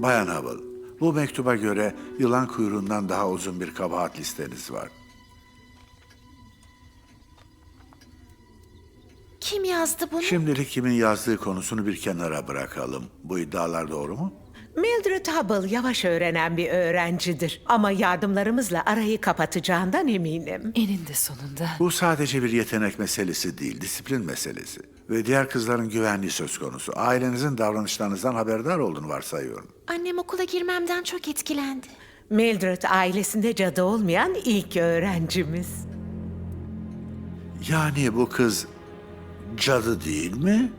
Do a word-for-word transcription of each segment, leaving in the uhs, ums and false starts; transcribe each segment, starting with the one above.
Bayan Hubble, bu mektuba göre yılan kuyruğundan daha uzun bir kabahat listeniz var. Kim yazdı bunu? Şimdilik kimin yazdığı konusunu bir kenara bırakalım. Bu iddialar doğru mu? Mildred Hubble yavaş öğrenen bir öğrencidir. Ama yardımlarımızla arayı kapatacağından eminim. Eninde sonunda. Bu sadece bir yetenek meselesi değil, disiplin meselesi. Ve diğer kızların güvenliği söz konusu. Ailenizin davranışlarınızdan haberdar olduğunu varsayıyorum. Annem okula girmemden çok etkilendi. Mildred ailesinde cadı olmayan ilk öğrencimiz. Yani bu kız cadı değil mi?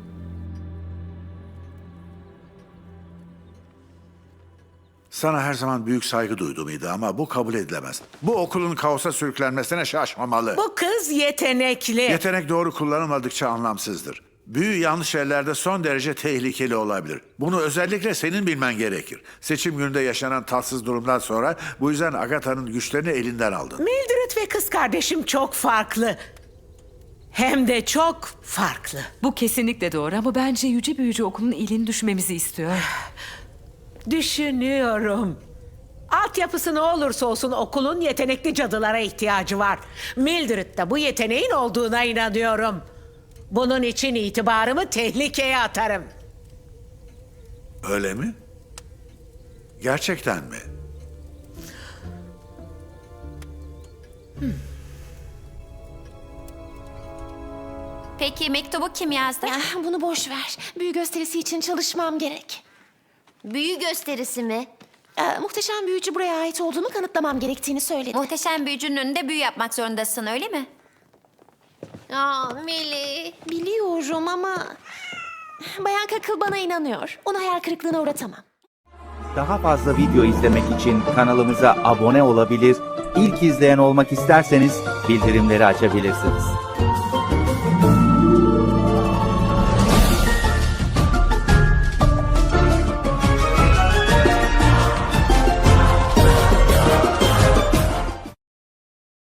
Sana her zaman büyük saygı duyduğumuydu ama bu kabul edilemez. Bu okulun kaosa sürüklenmesine şaşmamalı. Bu kız yetenekli. Yetenek doğru kullanılmadıkça anlamsızdır. Büyü yanlış ellerde son derece tehlikeli olabilir. Bunu özellikle senin bilmen gerekir. Seçim gününde yaşanan tatsız durumdan sonra bu yüzden Agatha'nın güçlerini elinden aldın. Mildred ve kız kardeşim çok farklı. Hem de çok farklı. Bu kesinlikle doğru ama bence Yüce Büyücü Okulu'nun iyiliğini düşmemizi istiyor. Düşünüyorum. Altyapısı ne olursa olsun okulun yetenekli cadılara ihtiyacı var. Mildred'de bu yeteneğin olduğuna inanıyorum. Bunun için itibarımı tehlikeye atarım. Öyle mi? Gerçekten mi? Peki mektubu kim yazdı? Ah, bunu boş ver. Büyü gösterisi için çalışmam gerek. Büyü gösterisi mi? Ee, muhteşem büyücü buraya ait olduğumu kanıtlamam gerektiğini söyledi. Muhteşem büyücünün önünde büyü yapmak zorundasın, öyle mi? Aa, Millie. Biliyorum ama... Bayan Kakıl bana inanıyor. Onu hayal kırıklığına uğratamam. Daha fazla video izlemek için kanalımıza abone olabilir, ilk izleyen olmak isterseniz bildirimleri açabilirsiniz.